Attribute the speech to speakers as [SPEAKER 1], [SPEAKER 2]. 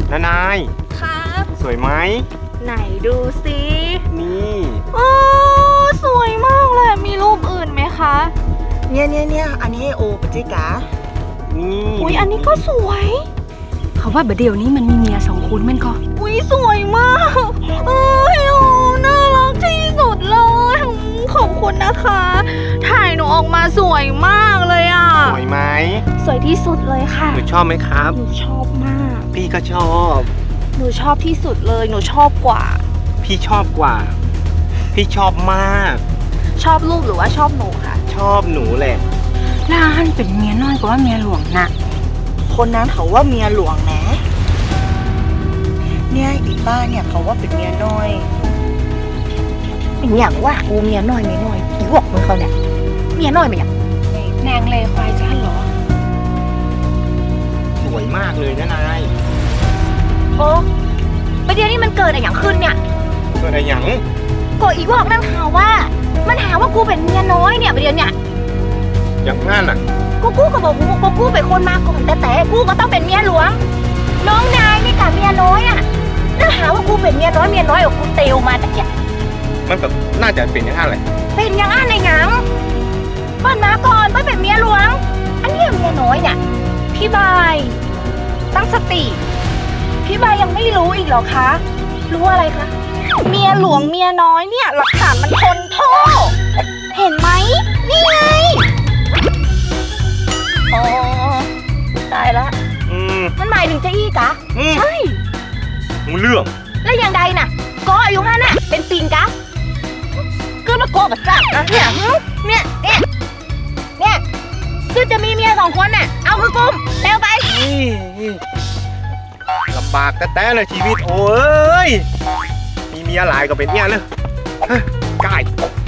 [SPEAKER 1] นาย
[SPEAKER 2] ครับ
[SPEAKER 1] สวยไหม
[SPEAKER 2] ไหนดูสิ
[SPEAKER 1] นี่
[SPEAKER 2] โอ้สวยมากเลยมีรูปอื่นไหมคะ
[SPEAKER 3] เนี่ยอันนี้โอปจิกา
[SPEAKER 1] นี่
[SPEAKER 2] อุ้ยอันนี้ก็สวย
[SPEAKER 4] เขาว่าเดี๋ยวนี้มันมีเมีย2 คนแม่นก็
[SPEAKER 2] อุ้ยสวยมากโอ้ยโอ้น่ารักที่สุดเลยขอบคุณนะคะ ถ่ายหนูออกมาสวยมากเลยอ่ะ
[SPEAKER 1] สวยไหม
[SPEAKER 2] สวยที่สุดเลยค่ะ
[SPEAKER 1] หนูชอบไหมครับ
[SPEAKER 2] หนูชอบมาก
[SPEAKER 1] พี่ก็ชอบ
[SPEAKER 2] หนูชอบที่สุดเลยหนูชอบกว่า
[SPEAKER 1] พี่ชอบกว่า พี่ชอบมาก
[SPEAKER 2] ชอบลูกหรือว่าชอบหนูคะ
[SPEAKER 1] ชอบหนูแหละ
[SPEAKER 4] น่าหันเป็นเมียน้อยกว่าเมียหลวงนะ
[SPEAKER 3] คนนั้นเขาว่าเมียหลวงนะเนี่ยอีป้าเนี่ยเขาว่าเป็นเมียน้อย
[SPEAKER 2] เป็นอย่างว่ากูเมียน้อยอีวอกมึงเขาเนี่ยเมียน้อยเป็นอย่าง
[SPEAKER 4] นางเลควายจ้าเหรอ
[SPEAKER 1] สวยมากเลยนะนาย
[SPEAKER 2] โอ้ประเดี๋ยวนี้มันเกิดอะไรอย่างขึ้นเนี่ย
[SPEAKER 1] เกิดอะไรหยัง
[SPEAKER 2] ก็อีวอกนั่นหาว่ามันหาว่ากูเป็นเมียน้อยเนี่ยประเดี๋ยวเนี่ย
[SPEAKER 1] อย่างงั้นอ่ะ
[SPEAKER 2] กูก็บอกกูเป็นคนมาก่อนแต่กูก็ต้องเป็นเมียหลวงน้องนายนี่กับเมียน้อยอ่ะนั่นหาว่ากูเป็นเมียน้อยกับกูเตลมาแต่เนี่ย
[SPEAKER 1] มันแบบน่าจะเป็นอย่างนั้นแหละ
[SPEAKER 2] เป็นอย่างนั้นในหยังเปิ้ลมาก่อนเปิ้ลเป็นเมียหลวงอันนี้เมียน้อยเนี่ยพี่บายตั้งสติพี่บายยังไม่รู้อีกเหรอคะรู้อะไรคะเมียหลวงเมียน้อยเนี่ยหลักฐานมันทนโทษเห็นไหมนี่ไงอ๋อตายละมันหมายถึงเจ้าอี้กะใช่
[SPEAKER 1] มึงเรื่อง
[SPEAKER 2] แล้วอย่างใดน่ะก็อายุ5น่ะเป็นปิงกะก็มาโกกับจักนะเนี่ยคือจะมีเมีย2 คนน่ะเอาคือกุมเร็วไป
[SPEAKER 1] ลำบากแต่เลยชีวิตโอ้ยมีเมียหลายก็เป็นเนี่ยเลยกาย